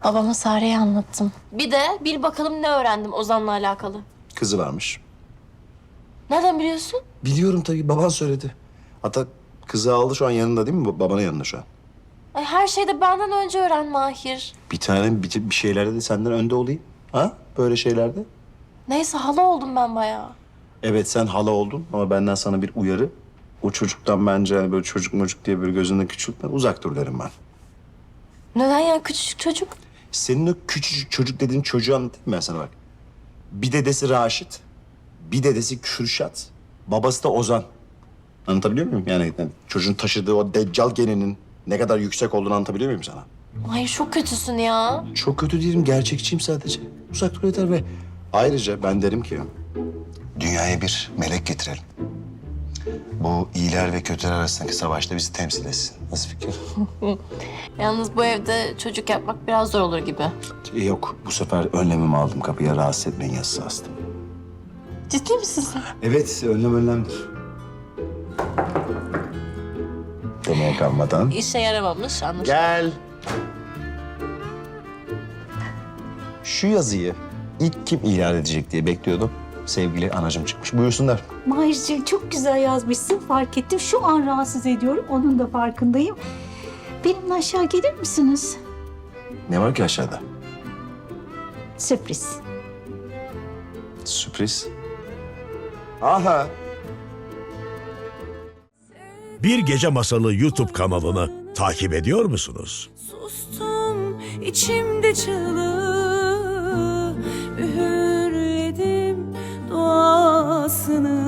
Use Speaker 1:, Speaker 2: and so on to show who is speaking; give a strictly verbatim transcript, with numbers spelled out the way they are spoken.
Speaker 1: Babama Sare'yi anlattım. Bir de bil bakalım ne öğrendim Ozan'la alakalı.
Speaker 2: Kızı varmış.
Speaker 1: Nereden biliyorsun?
Speaker 2: Biliyorum tabii, baban söyledi. Hatta kızı aldı, şu an yanında değil mi? Ba- Babanın yanında şu an.
Speaker 1: Ay, her şeyi de benden önce öğren Mahir.
Speaker 2: Bir tane bir, bir şeylerde de senden önde olayım. Ha? Böyle şeylerde.
Speaker 1: Neyse hala oldum ben bayağı.
Speaker 2: Evet, sen hala oldun ama benden sana bir uyarı. O çocuktan bence hani böyle çocuk mocuk diye böyle gözünde küçültme, uzak dur derim ben.
Speaker 1: Neden ya, küçücük çocuk?
Speaker 2: Senin o küçücük çocuk dediğin çocuğu anlatayım ben sana bak. Bir dedesi Raşit, bir dedesi Kürşat, babası da Ozan. Anlatabiliyor muyum? Yani, yani çocuğun taşıdığı o deccal geninin ne kadar yüksek olduğunu anlatabiliyor muyum sana?
Speaker 1: Hayır, çok kötüsün ya.
Speaker 2: Çok kötü değilim, gerçekçiyim sadece. Uzak dur yeter ve ayrıca ben derim ki dünyaya bir melek getirelim. Bu iyiler ve kötüler arasındaki savaşta bizi temsil etsin. Nasıl fikir?
Speaker 1: Yalnız bu evde çocuk yapmak biraz zor olur gibi.
Speaker 2: Yok, bu sefer önlemimi aldım. Kapıya rahatsız etmeyin yazısı astım.
Speaker 1: Ciddi misin sen?
Speaker 2: Evet, önlem önlemdir. Demeye kalmadan.
Speaker 1: İşe yaramamış anlaşılan.
Speaker 2: Gel. Şu yazıyı ilk kim ilan edecek diye bekliyordum. Sevgili anacığım çıkmış. Buyursunlar.
Speaker 3: Mahirciğim çok güzel yazmışsın, fark ettim. Şu an rahatsız ediyorum, onun da farkındayım. Benimle aşağı gelir misiniz?
Speaker 2: Ne var ki aşağıda?
Speaker 3: Sürpriz.
Speaker 2: Sürpriz. Aha.
Speaker 4: Bir Gece Masalı YouTube kanalını takip ediyor musunuz?
Speaker 5: Sustum içimde çığlığı, üğürledim duasını.